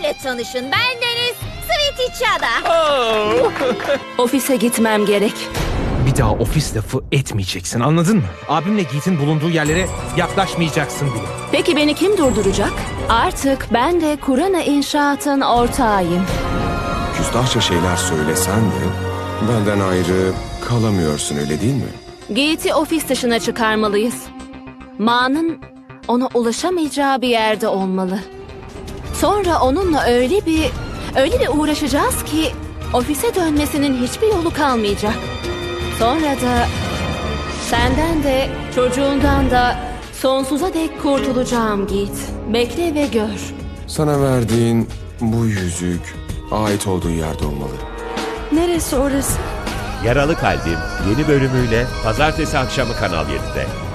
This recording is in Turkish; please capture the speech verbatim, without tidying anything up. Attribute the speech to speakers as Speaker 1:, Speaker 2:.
Speaker 1: benimle tanışın. Ben Deniz Svetichada.
Speaker 2: Oh.
Speaker 3: Ofise gitmem gerek.
Speaker 2: Bir daha ofis lafı etmeyeceksin, anladın mı? Abimle Geet'in bulunduğu yerlere yaklaşmayacaksın bile.
Speaker 3: Peki beni kim durduracak? Artık ben de Kurana İnşaat'ın ortağıyım.
Speaker 4: Küstahça şeyler söylesen de benden ayrı kalamıyorsun, öyle değil mi?
Speaker 3: Geet'i ofis dışına çıkarmalıyız. Ma'nın ona ulaşamayacağı bir yerde olmalı. Sonra onunla öyle bir öyle bir uğraşacağız ki ofise dönmesinin hiçbir yolu kalmayacak. Sonra da senden de çocuğundan da sonsuza dek kurtulacağım Geet. Bekle ve gör.
Speaker 4: Sana verdiğin bu yüzük ait olduğu yerde olmalı.
Speaker 3: Neresi orası?
Speaker 5: Yaralı Kalbim yeni bölümüyle pazartesi akşamı Kanal yedide.